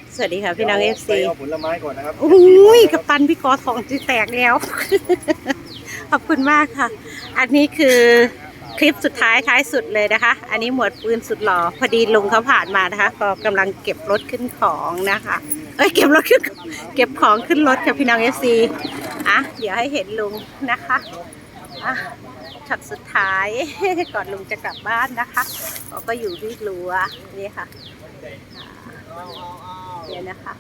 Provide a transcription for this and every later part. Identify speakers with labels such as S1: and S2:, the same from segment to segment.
S1: สวัสดีค่ะพี่น้องFC
S2: เอาผลไม้ก่อนนะครับ
S1: อุ้ยกัปตันพี่กอทองจะแตกแล้ว ขอบคุณมากค่ะ อันนี้คือคลิปสุดท้ายท้ายสุดเลยนะคะ อันนี้หมวดปืนสุดหล่อพอดีลุงเขาผ่านมานะคะ ก็กำลังเก็บรถขึ้นของนะคะเก็บรถขึ้นเก็บของขึ้นรถค่ะพี่น้อง FC เดี๋ยวให้เห็นลุงนะคะช็อตสุดท้าย ก่อนลุงจะกลับบ้านนะคะก็อยู่ที่รั้วนี่ค่ะเนี่ยนะคะ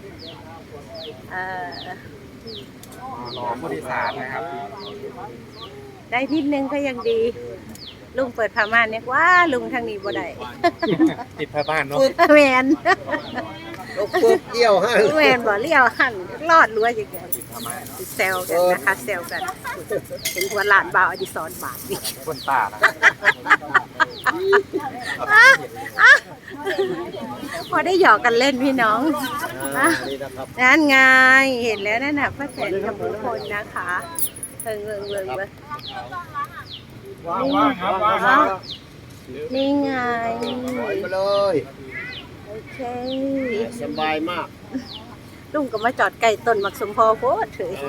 S2: รอผู้โดยสารนะครับ
S1: ได้นิดนึงก็ยังดีลุงเปิดผ้าม่านเนี่ยว่าลุงทางนี้บ่ได้
S2: ติดผ้าบ้านเนาะ
S1: แมน
S2: ปุ๊บเดี่ยวหัน
S1: แมนบ่เลี้ยวหันรอดรั้วอย่างเงี้ยแซวกันนะคะแซวกันเป็นหัวหลานบ่าวอดิศรบาทนี่
S2: คนตา
S1: พอได้หยอกกันเล่นพี่น้องนั่นไงเห็นแล้วนั่นน่ะป้าแตนกับทุกคนนะคะเบิ่งนี่ไง
S2: ไปเลย
S1: โอเค
S2: สบายมาก
S1: ลุงก็มาจอดไก่ต้นมักสมพอโพดเถอะ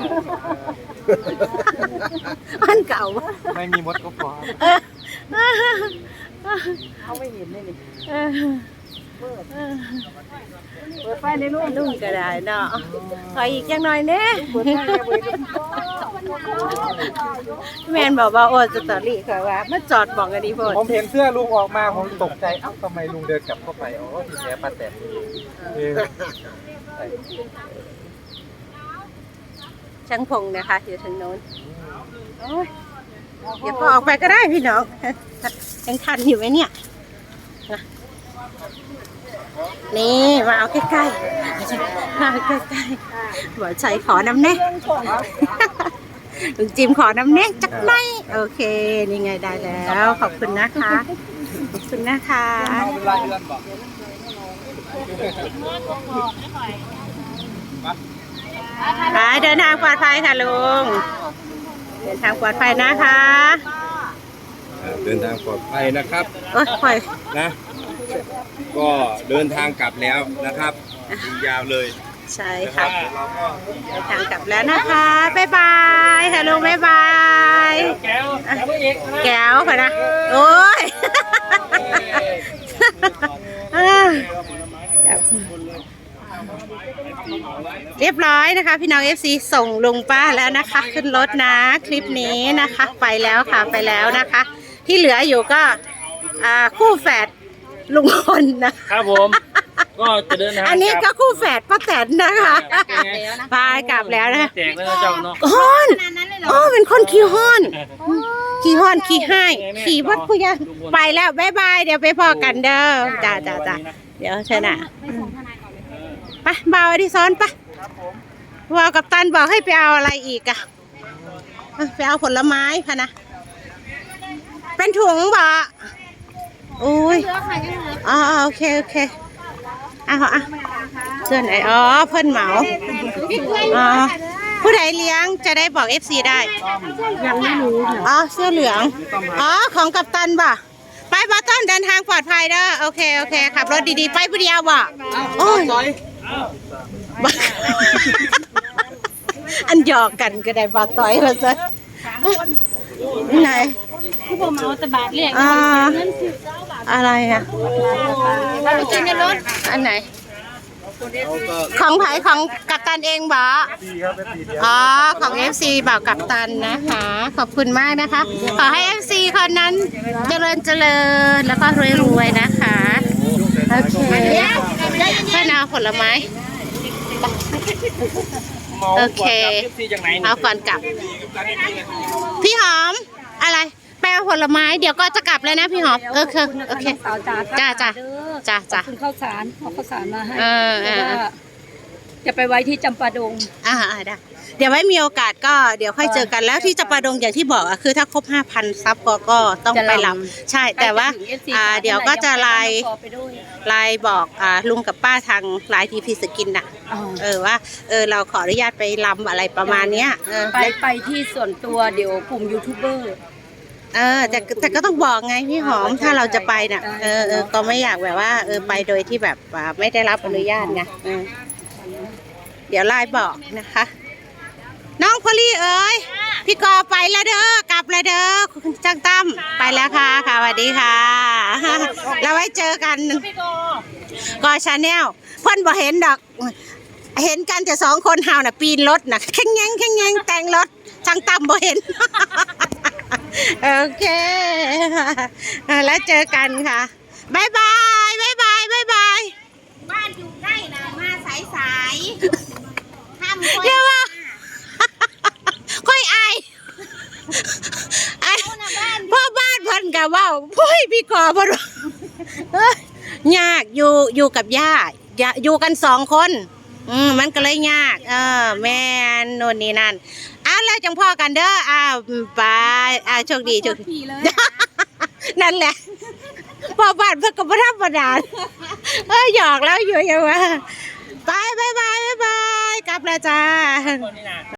S1: อันเก่า
S2: ไม่มีมดก็พอ
S1: เขาไม่เห็นเลยเปิดไฟในรุ่นลุงก็ได้เนาะขออีกอย่างหน่อยเนี่ยแมนบอกว่าโอ้สตอรี่ค่ะว่ามาจอดบอกกันดีพอ
S2: ผมเห็นเสื้อลุงออกมาผมตกใจเอ้าทำไมลุงเดินกลับเข้าไปอ๋อที่แท้ป้าแตน
S1: ช่างพงนะคะอยู่ทางโน้นเดี๋ยวพอออกไปก็ได้พี่น้องยังทันอยู่ไหมเนี่ยนี่มาเอาใกล้ๆมาใกล้ๆหัวใจขอน้ำแน่ลุงจิมขอน้ำแน่จักหน่อยโอเคนี่ไงได้แล้วขอบคุณนะคะขอบคุณนะคะเดินทางปลอดภัยค่ะลุงเดินทางปลอดภัยนะคะ
S2: เดินทางปลอดภัยนะครับ
S1: ปล่อย
S2: นะก็เดินทางกลับแล้วนะครับยาวเลย
S1: ใช่ค่ะเดินทางกลับแล้วนะคะบ๊ายบายค่ะลุงบ๊ายบายแก้วค่ะนะโอ้ยเรียบร้อยนะคะพี่น้อง FC ส่งลุงป้าแล้วนะคะขึ้นรถนะคลิปนี้นะคะไปแล้วค่ะไปแล้วนะคะที่เหลืออยู่ก็คู่แฝดลุงพลนะครับ
S3: ผมก็จะเดินทาง
S1: อันนี้ก็คู่แฝดป้าแตนนะคะไปกลับแล้วนะ
S3: แจกแล้วเจ้าเนาะ
S1: ฮ้อนเป็นคนขี้ฮ้อนขี้ให้ขี่วัดผู้ยังไปแล้วบ๊ายบายเดี๋ยวไปพอกันเด้อจ้าเดี๋ยวชนะไปบ่าวที่ซ้อนไปว่ากับตันบอกให้ไปเอาอะไรอีกอะไปเอาผลไม้ค่ะนะเป็นถุงบ่อุ้ยโอเคเสื้อไหนเพิ่นเหมาผู้ใดเลี้ยงจะได้บอก FC ได้ยังไม่รู้เสื้อเหลืองของกัปตันบ่ไปบอต้นเดินทางปลอดภัยเด้อโอเคขับรถดีๆไปผู้เดียวบ่โอ้ยอันหยอกกันก็ได้บอต้อยมาซะไหน
S4: ที่ผมเอาตะบาดเรียก
S1: อะไรอะ
S4: เราจริงในรถ
S1: อันไหนของไผ่ของกัปตันเองบ่ของ FC บ่าวกัปตันนะคะขอบคุณมากนะคะขอให้ FC คนนั้นเจริญแล้วก็รวยๆนะคะโอเคเพื่อนเอาผลไม้โอเคเอาก่อนกลับพี่หอมอะไรแปลผลไม้เดี๋ยวก็จะกลับแล้วนะพี่หอมโอเคจ้า
S4: คุณข้าวสารเอาข้าวสารมาให้จะไปไว้ที่จำปาดง
S1: ได้เดี๋ยวไว้มีโอกาสก็เดี๋ยวค่อยเจอกันแล้วที่จำปาดงอย่างที่บอกคือถ้าครบ 5,000 ซับก็ต้องไปลำใช่แต่ว่าเดี๋ยวก็จะไลน์บอกลุงกับป้าทางไลน์ทีพีสกินน่ะว่าเราขออนุญาตไปลำอะไรประมาณเนี้ย
S4: ไปที่ส่วนตัวเดี๋ยวกลุ่มยูทูบเบอร์
S1: แต่ก็ต้องบอกไงพี่หอมถ้าเราจะไปน่ะก็ไม่อยากแบบว่าไปโดยที่แบบไม่ได้รับอนุญาตไงเดี๋ยวไลน์บอกนะคะ น้องพอลลี่เอ๋ยพี่กอไปแล้วเด้อกลับแล้วเด้อคุณจังตั้มไปแล้วค่ะค่ะสวัสดีค่ะแล้วไว้เจอกันกอชาแนลเพ่นบ่เห็นดอกเห็นกันแต่2 คนเฮาน่ะปีนรถน่ะแข่งแงงแต่งรถจังตั้มบ่เห็น โอเคแล้วเจอกันค่ะบายบายบายบายบายบาย
S5: บ้านอยู่ใกล้นะมาสายๆห้ามคอย
S1: เรียกว่า ค่อยอายพ่อบ้านเพิ่นกับว่าโอ้ยพี่กอบ่รู้เอ้ยยากอยู่กับย่าอยู่กัน2 คนมันก็เลยยากแม่นโน่นนี่นั่นแล้วจังพ่อกันเด้อไปโชคดีโชคดีนั่นแหละพ่อบ้านเพิ่นก็บ่ธรรมดาหยอกแล้วอยู่ยังว่าไปบายบายบายบายกลับแล้วจ้า